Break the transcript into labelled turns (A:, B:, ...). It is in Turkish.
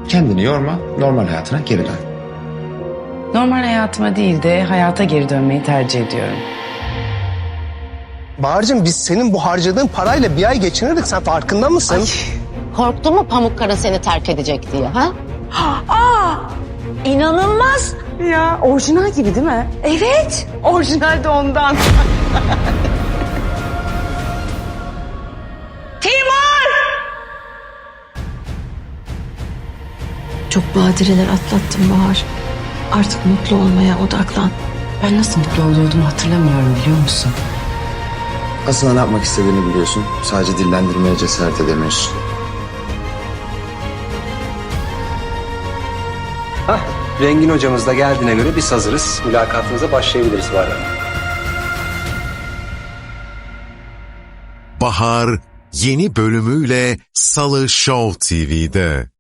A: Kendini yorma, normal hayatına geri dön.
B: Normal hayatıma değil de hayata geri dönmeyi tercih ediyorum.
C: Bahar'cığım biz senin bu harcadığın parayla bir ay geçinirdik. Sen farkında mısın?
D: Korktun mu Pamukkara seni terk edecek diye ha?
B: İnanılmaz. Ya orijinal gibi değil mi? Evet. Orijinal de ondan.
E: Çok badireler atlattım Bahar. Artık mutlu olmaya odaklan.
B: Ben nasıl mutlu oluyordum hatırlamıyorum biliyor musun?
A: Aslında ne yapmak istediğini biliyorsun. Sadece dillendirmeye cesaret edemiyorsun.
F: Rengin hocamız da geldiğine göre biz hazırız. Mülakatınıza başlayabiliriz Bahar Hanım.
G: Bahar yeni bölümüyle Salı Show TV'de.